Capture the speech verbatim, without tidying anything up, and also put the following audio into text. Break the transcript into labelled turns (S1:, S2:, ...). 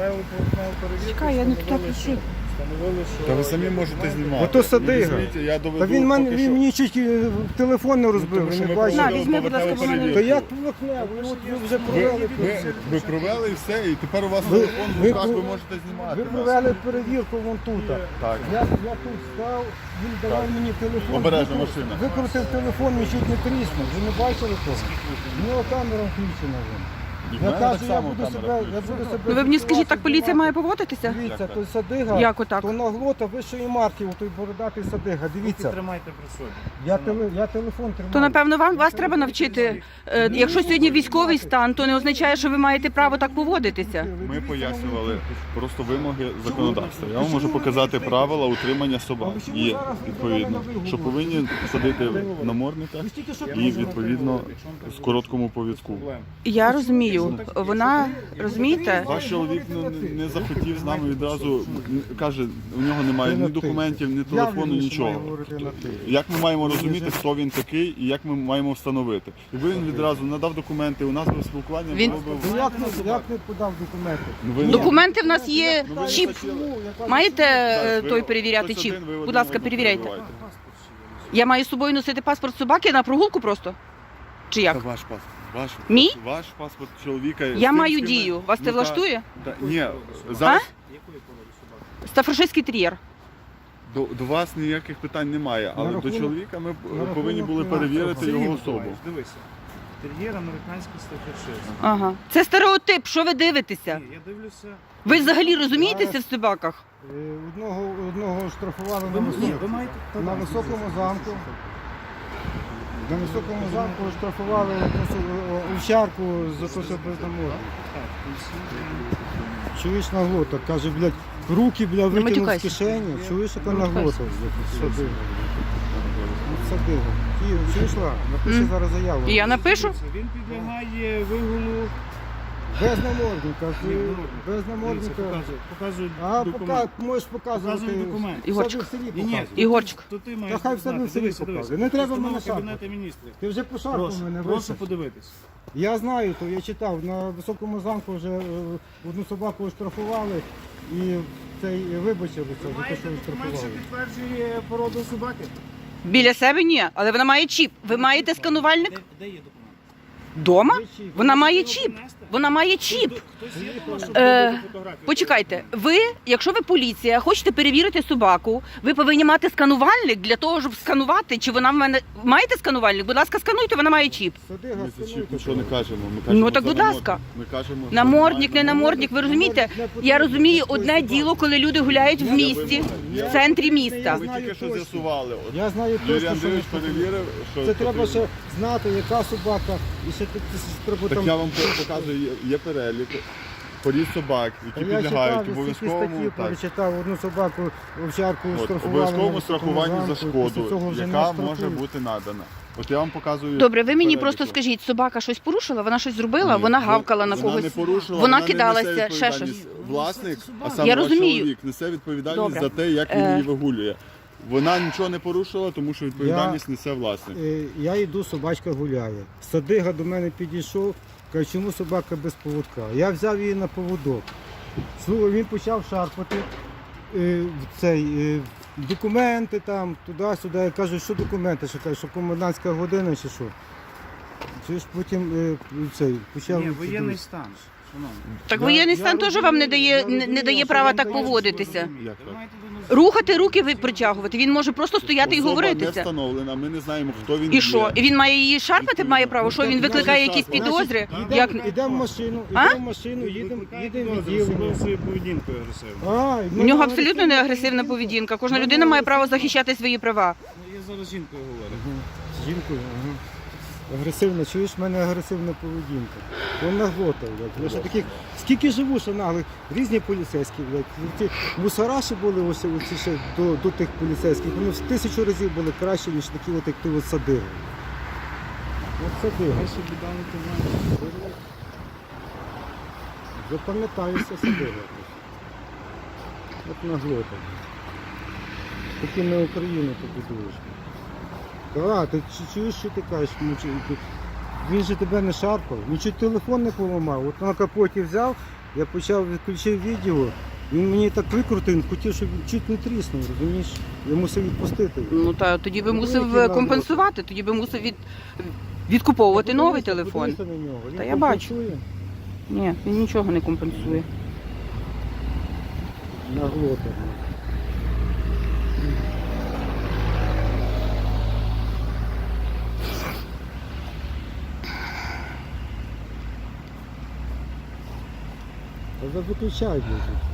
S1: провели поверхневу перевірку.
S2: Чекай, я не туди пишу.
S1: Встановили, що...
S3: Та ви самі можете знімати.
S4: Ото Садига.
S3: Візьміть, я доведу,
S4: Та він, мен,
S3: поки
S4: він
S3: що.
S4: мені чуть телефон не розбив,
S3: Тому
S4: ви
S3: що
S4: не
S3: ми
S4: бачите.
S2: На,
S3: провели
S2: візьми, будь ласка,
S3: поверхневу
S2: мене.
S4: То
S3: перевірку.
S4: як поверхневу? От ви вже провели.
S3: Ви, ви провели і все, і тепер у вас
S4: Ви-
S3: телефон в
S4: ви-
S3: руках, ви
S4: ви-
S3: можете знімати.
S4: Ви
S3: нас.
S4: провели перевірку вон тут.
S3: Так.
S4: Я, я тут став, він давав мені телефон.
S3: Обережно,
S4: викру-
S3: машина.
S4: Викрутив телефон, він чуть не тріснув. Ви не бачили того? У нього камера включена. Вон.
S3: І в
S4: Я
S3: мене
S4: кажу,
S3: так
S4: я
S3: само
S4: буду
S3: камера
S4: себе, я
S3: включена.
S4: буду себе...
S2: Ну ви мені скажіть, так поліція
S4: знімати.
S2: має поводитися?
S4: Дивіться,
S3: Як
S4: той Садига,
S2: Як отак?
S4: то наглота вищої марки, той бородатий Садига. Дивіться,
S1: Тримайте при собі.
S4: я, теле, я телефон тримаю.
S2: То напевно вам вас треба навчити. е, Якщо сьогодні військовий стан, то не означає, що ви маєте право так поводитися.
S3: Ми пояснювали просто вимоги законодавства. Я вам можу показати правила утримання собак. Є відповідно, що повинні ходити в намордниках і відповідно з короткому повідку.
S2: Я розумію. Вона розумієте?
S3: Ваш чоловік ну, не захотів з нами відразу, каже, у нього немає ні документів, ні телефону, нічого. Як ми маємо розуміти, хто він такий і як ми маємо встановити? Якби він відразу надав документи, у нас би спілкування
S2: Він-
S3: було б...
S4: Ну, Як не, як не подав документи?
S3: Ну, ви-
S2: Документи в нас є
S3: Ну, ви
S2: чіп.
S3: хотіли-
S2: Маєте е,
S3: Зараз, ви-
S2: той перевіряти
S3: хтось
S2: чіп?
S3: один, ви
S2: Будь
S3: один
S2: ласка,
S3: одного
S2: перевіряйте.
S3: перебиваєте.
S2: Я маю з собою носити паспорт собаки на прогулку просто? Чи
S3: Це
S2: як?
S3: ваш паспорт. Ваш,
S2: Мій?
S3: Ваш паспорт чоловіка. з
S2: Я
S3: тим,
S2: маю
S3: з ким ви-
S2: дію. Вас це
S3: Ну, та-
S2: влаштує?
S3: та- Ні, зараз
S2: Стафаршистський тер'єр.
S3: до, до вас ніяких питань немає, але
S4: На
S3: до
S4: рахунок-
S3: чоловіка ми
S4: на
S3: повинні
S4: рахунок
S3: були
S4: фінансового.
S3: перевірити
S1: Сергій
S3: його
S1: Миколаївич,
S3: особу.
S1: Дивися. Тер'єр американський стафершист.
S2: Ага. Це стереотип. Що ви дивитеся?
S1: Ні, я дивлюся.
S2: Ви взагалі розумієтеся в собаках?
S4: Е, Одного, одного штрафували на,
S1: Ви, ні,
S4: високому,
S1: ви маєте...
S4: на високому замку. На високому замку штрафували овчарку за те, що без намору. Чуєш наглота? Каже, блядь, руки, блядь, витягнув з
S2: матюкайся.
S4: кишені. Чуєш, яка наглота? Садига. Садига. Київ, чуєш, ла? Напиши
S2: М.
S4: зараз заяву.
S2: І я напишу?
S1: Він підлягає вигулу.
S4: Без намордника.
S1: Ні,
S4: ти-
S1: намордник.
S4: Без
S1: Дивіться,
S4: намордника.
S1: показую, показую
S4: А,
S1: документ.
S4: пока, можеш показувати.
S1: Показую документ.
S4: в себе
S2: Ігорчик.
S4: в селі
S1: Ні, ні,
S4: показуй.
S2: Ігорчик.
S1: То ти маєш
S4: Та хай в себе
S1: знати.
S4: в селі
S1: Дивися,
S4: показує.
S1: дивися.
S4: Не треба
S1: Постанова
S4: мене шарпати.
S1: Кабінету міністрів.
S4: Ти вже пошарпав
S1: Прошу,
S4: мене,
S1: прошу
S4: вище.
S1: подивитись.
S4: Я знаю, то я читав, на високому замку вже е, одну собаку оштрафували і цей вибачилися за те,
S1: Маєте
S4: що
S1: документ, що
S4: оштрафували.
S1: підтверджує породу собаки?
S2: Біля себе ні, але вона має чіп. Ви маєте сканувальник?
S1: Де, де є документ?
S2: Дома?
S4: Є чіп.
S2: Вона має чіп. Вона має чіп.
S1: Хтось є дома, щоб
S2: Е,
S1: зробити фотографію?
S2: Почекайте, ви, якщо ви поліція, хочете перевірити собаку, ви повинні мати сканувальник для того, щоб сканувати, чи вона в мене маєте сканувальник? Будь ласка, скануйте, вона має чіп.
S4: Садига,
S3: Ми за чіп
S4: скануйте.
S3: нічого не кажемо. Ми кажемо
S2: Ну, так,
S3: за
S2: будь
S3: намордник.
S2: ласка.
S3: Ми кажемо, що
S2: Намордник, не
S3: немає
S2: намордник, ви розумієте? Я розумію одне діло, коли люди гуляють в місті, в центрі міста.
S3: Ви тільки що з'ясували. От
S4: Я знаю
S3: Юрій
S4: точно, що
S3: Андрійович
S4: не
S3: перевірив, що
S4: це треба
S3: потрібно.
S4: ще знати, яка собака, і ще тут треба
S3: Так
S4: там...
S3: я вам показую, є- є перелік порід собак,
S4: Та
S3: які
S4: я
S3: підлягають
S4: читав, я стільки
S3: обов'язковому
S4: статтів
S3: так,
S4: перечитав, одну собаку, овчарку
S3: от,
S4: штрафували.
S3: обов'язковому
S4: на
S3: страхуванню за
S4: високому замку, після цього
S3: шкоду,
S4: вже не
S3: яка
S4: штрафують.
S3: може бути надана. От я вам показую.
S2: Добре, ви мені
S3: перелік.
S2: просто скажіть, собака щось порушила, вона щось зробила,
S3: Ні,
S2: вона гавкала на
S3: вона
S2: когось.
S3: не порушила,
S2: Вона
S3: не
S2: кидалася,
S3: несе
S2: ще
S3: відповідальність.
S2: щось.
S3: Власник, а
S2: Я
S3: саме ваш
S2: розумію.
S3: чоловік несе відповідальність
S2: Добре.
S3: за те, як він
S2: Е.
S3: її вигулює. Вона нічого не порушила, тому що відповідальність несе власник.
S4: Е, Я йду, собачка гуляє. Садига до мене підійшов, каже, чому собака без поводка? Я взяв її на поводок. Слухай, він почав шарпати е, в цей, е, документи там, туди-сюди. Я кажу, що документи? Що каже, що комендантська година чи що? Чи ж потім е, цей, почав...
S1: Ні, воєнний стан. Шановні.
S2: Так
S4: Я-
S2: воєнний
S4: я
S2: стан теж
S4: розумію,
S2: вам не
S4: я
S2: дає, не,
S4: розумію,
S2: не дає
S4: що
S2: права
S4: вам
S2: так
S4: дає,
S2: поводитися.
S3: Як
S1: Ви
S3: так?
S1: маєте до нас-
S2: Рухати руки ви притягувати. Він може просто стояти і
S3: Особа не
S2: говоритися.
S3: встановлена, ми не знаємо, хто він
S2: І
S3: є.
S2: що? І він має її шарпати, має право? Що він викликає якісь підозри? Як...
S4: Йдемо в машину,
S2: А?
S4: йдемо в машину, їдемо, їдемо в відділення.
S1: своєю поведінкою агресивно.
S4: А,
S2: У нього абсолютно не агресивна поведінка. Кожна людина має право захищати свої права.
S1: Ну, я зараз з жінкою говорю.
S4: З жінкою, ага. Агресивна, чуєш, в мене агресивна поведінка. Вона наглота, блядь. Я ще таких, скільки живу, що наглих, різні поліцейські, блядь. Ці мусораші були ось, оці ще до, до тих поліцейських. Вони в тисячу разів були краще, ніж такі от, як ти от Садига. От Садига.
S1: Хай собі дали ти
S4: Запам'ятаюся Садига. От наглота. Такі на Україну побудуєш. Так, ти чу- чуєш, що ти кажеш? Ну, чи- ти- Він же тебе не шарпав, він чуть телефон не поламав. От на капоті взяв, Я почав відключив відео, він мені так викрутив, він хотів, щоб він чуть не тріснув, розумієш? Я мусив відпустити.
S2: Ну та тоді би
S4: Ну,
S2: мусив
S4: який нам
S2: компенсувати, тоді би мусив від... відкуповувати новий
S4: Подивися,
S2: телефон.
S4: подивися на нього. Він
S2: Та я бачу.
S4: компенсує
S2: Ні, він нічого не компенсує.
S4: на глотах. Та виключай, блядь.